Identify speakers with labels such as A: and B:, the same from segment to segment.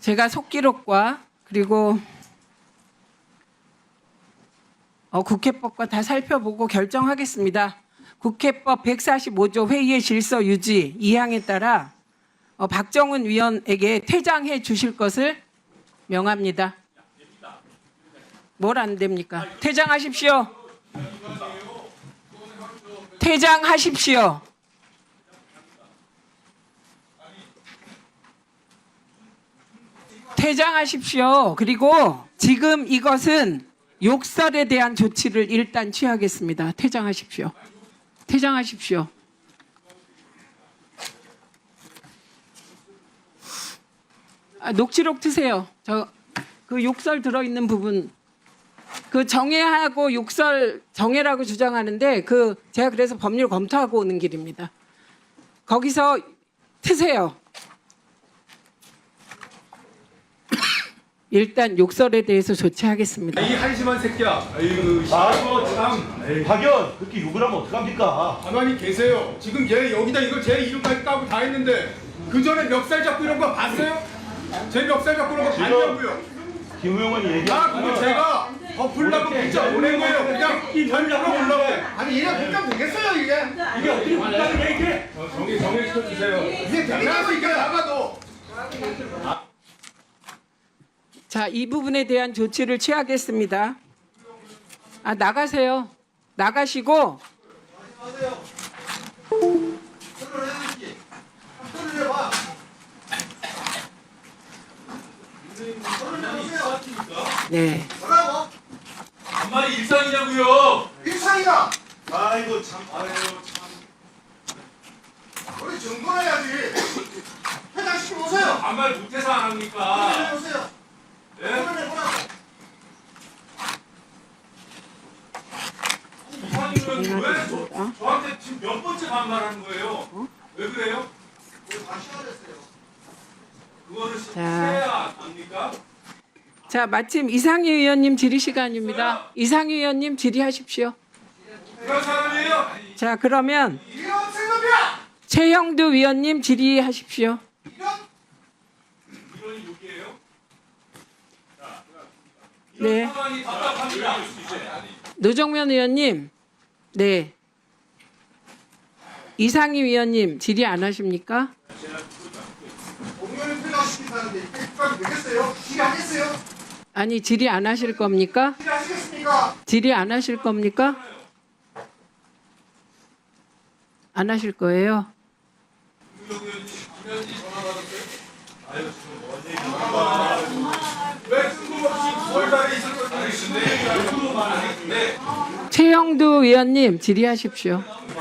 A: 제가 속기록과 그리고 국회법과 다 살펴보고 결정하겠습니다. 국회법 145조 회의의 질서 유지 2항에 따라 박정훈 위원에게 퇴장해 주실 것을 명합니다. 뭘 안 됩니까? 퇴장하십시오. 퇴장하십시오. 퇴장하십시오. 그리고 지금 이것은 욕설에 대한 조치를 일단 취하겠습니다. 퇴장하십시오. 퇴장하십시오. 녹취록 트세요. 그 욕설 들어있는 부분. 그 정해하고 욕설 정해라고 주장하는데 제가 그래서 법률 검토하고 오는 길입니다. 거기서 트세요. 일단 욕설에 대해서 조치하겠습니다.
B: 이 한심한 새끼야. 아이고, 참.
C: 박연 그렇게 욕을 하면 어떡합니까?
B: 가만히 계세요. 지금 얘 여기다 이거 제 이름까지 까고 다 했는데 그 전에 멱살 잡고 이런 거 봤어요? 제 멱살 잡고 이런 거 봤냐고요?
C: 김우영은 얘기.
B: 그거 제가 덮으려고 문자 보낸 거예요. 그냥 별로 보려고.
D: 아니 얘가 국장 되겠어요 이게?
C: 이게 어떻게 국가를 얘기해?
B: 정리시켜주세요.
D: 이게 되겠냐고 이게 나가도.
A: 자, 이 부분에 대한 조치를 취하겠습니다. 나가세요. 나가시고 네.
D: 뭐라고?
B: 정말 일상이냐고요?
D: 일상이야.
C: 아이고 참. 아이고 참.
D: 우리 정돈해야지. 회장시켜 오세요.
B: 반말 못해서 안 합니까?
D: 회장시켜 오세요.
B: 네?
D: 보라고.
B: 이사님은 왜 저한테 지금 몇 번째 반말하는 거예요? 왜 그래요?
D: 다 시작했어요.
B: 그거를 해야 합니까?
A: 자, 마침 이상희 의원님 질의 시간입니다. 이상희 의원님 질의하십시오.
B: 그런 사람이에요?
A: 자, 그러면
D: 이런 생각이야.
A: 최형두 위원님 질의하십시오.
B: 이런 욕이에요?
A: 네.
B: 상황이 답답합니다.
A: 노정면 의원님, 네. 이상희 위원님 질의 안 하십니까?
D: 공연을 퇴장시킨다는데 이게 국장이 되겠어요? 일하겠어요?
A: 아니, 질의 안 하실 겁니까?
D: 일하시겠습니까?
A: 질의 안 하실 겁니까? 안 하실 거예요?
B: 왜 뜬금없이 월달에 있을 것 같은데
A: 최형두 위원님 질의하십시오.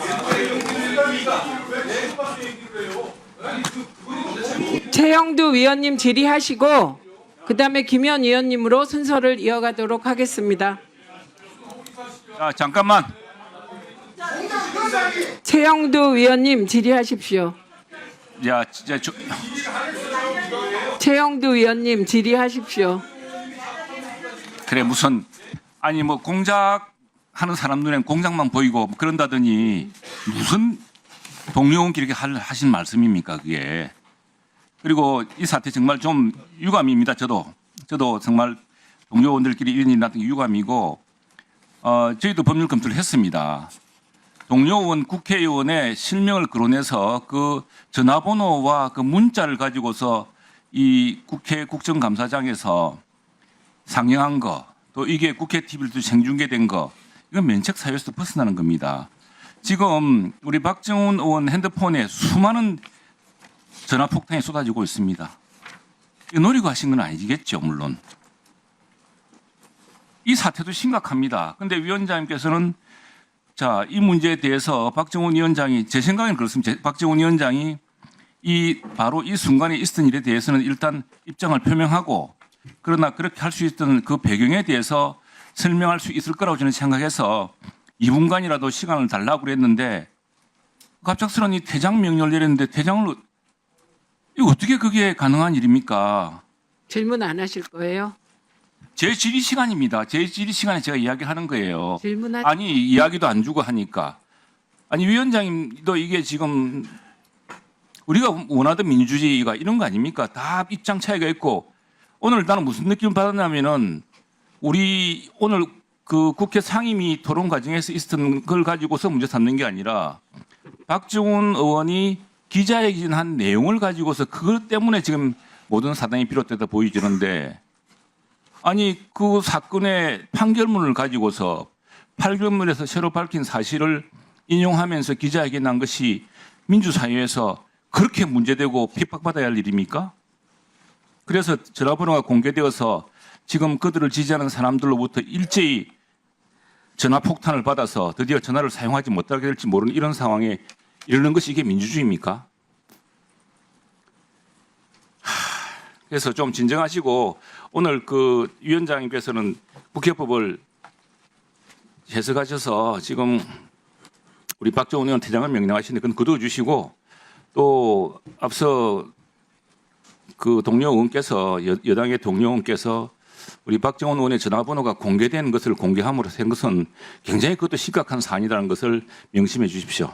A: 최형두 위원님 질의하시고 그다음에 김현 위원님으로 순서를 이어가도록 하겠습니다.
E: 자, 잠깐만.
A: 최형두 위원님 질의하십시오.
E: 야, 진짜
A: 최형두 위원님 질의하십시오.
E: 그래 무슨 아니 뭐 공작 하는 사람 눈엔 공작만 보이고 뭐 그런다더니 무슨 동료원끼리 이렇게 하신 말씀입니까 그게? 그리고 이 사태 정말 좀 유감입니다. 저도 정말 동료원들끼리 이런 일이 났던 게 유감이고 저희도 법률 검토를 했습니다. 동료원 국회의원의 실명을 거론해서 그 전화번호와 그 문자를 가지고서 이 국회 국정감사장에서 상영한 거, 또 이게 국회 TV로 생중계된 거, 이건 면책 사유에서 벗어나는 겁니다. 지금 우리 박정훈 의원 핸드폰에 수많은 전화 폭탄이 쏟아지고 있습니다. 이거 노리고 하신 건 아니겠죠, 물론. 이 사태도 심각합니다. 그런데 위원장님께서는 자, 이 문제에 대해서 박정훈 위원장이 제 생각에는 그렇습니다. 박정훈 위원장이 바로 이 순간에 있었던 일에 대해서는 일단 입장을 표명하고 그러나 그렇게 할 수 있던 그 배경에 대해서 설명할 수 있을 거라고 저는 생각해서 2분간이라도 시간을 달라고 그랬는데 갑작스러운 이 퇴장 명령을 내렸는데 퇴장을 이거 어떻게 그게 가능한 일입니까?
A: 질문 안 하실 거예요?
E: 제 질의 시간입니다. 제 질의 시간에 제가 이야기하는 거예요.
A: 질문하지.
E: 아니 이야기도 안 주고 하니까. 아니 위원장님도 이게 지금 우리가 원하던 민주주의가 이런 거 아닙니까? 다 입장 차이가 있고 오늘 나는 무슨 느낌을 받았냐면은 우리 오늘 그 국회 상임위 토론 과정에서 있었던 걸 가지고서 문제 삼는 게 아니라 박지원 의원이 기자회견한 내용을 가지고서 그것 때문에 지금 모든 사단이 비롯되다 보이지는데 아니 그 사건의 판결문을 가지고서 판결문에서 새로 밝힌 사실을 인용하면서 기자회견한 것이 민주사회에서 그렇게 문제되고 핍박받아야 할 일입니까? 그래서 전화번호가 공개되어서 지금 그들을 지지하는 사람들로부터 일제히 전화 폭탄을 받아서 드디어 전화를 사용하지 못하게 될지 모르는 이런 상황에 이르는 것이 이게 민주주의입니까? 그래서 좀 진정하시고 오늘 그 위원장님께서는 국회법을 해석하셔서 지금 우리 박정훈 의원 퇴장을 명령하시는데 그건 거두어 주시고 또 앞서 그 동료 의원께서 여당의 동료 의원께서 우리 박정훈 의원의 전화번호가 공개된 것을 공개함으로 한 것은 굉장히 그것도 심각한 사안이라는 것을 명심해 주십시오.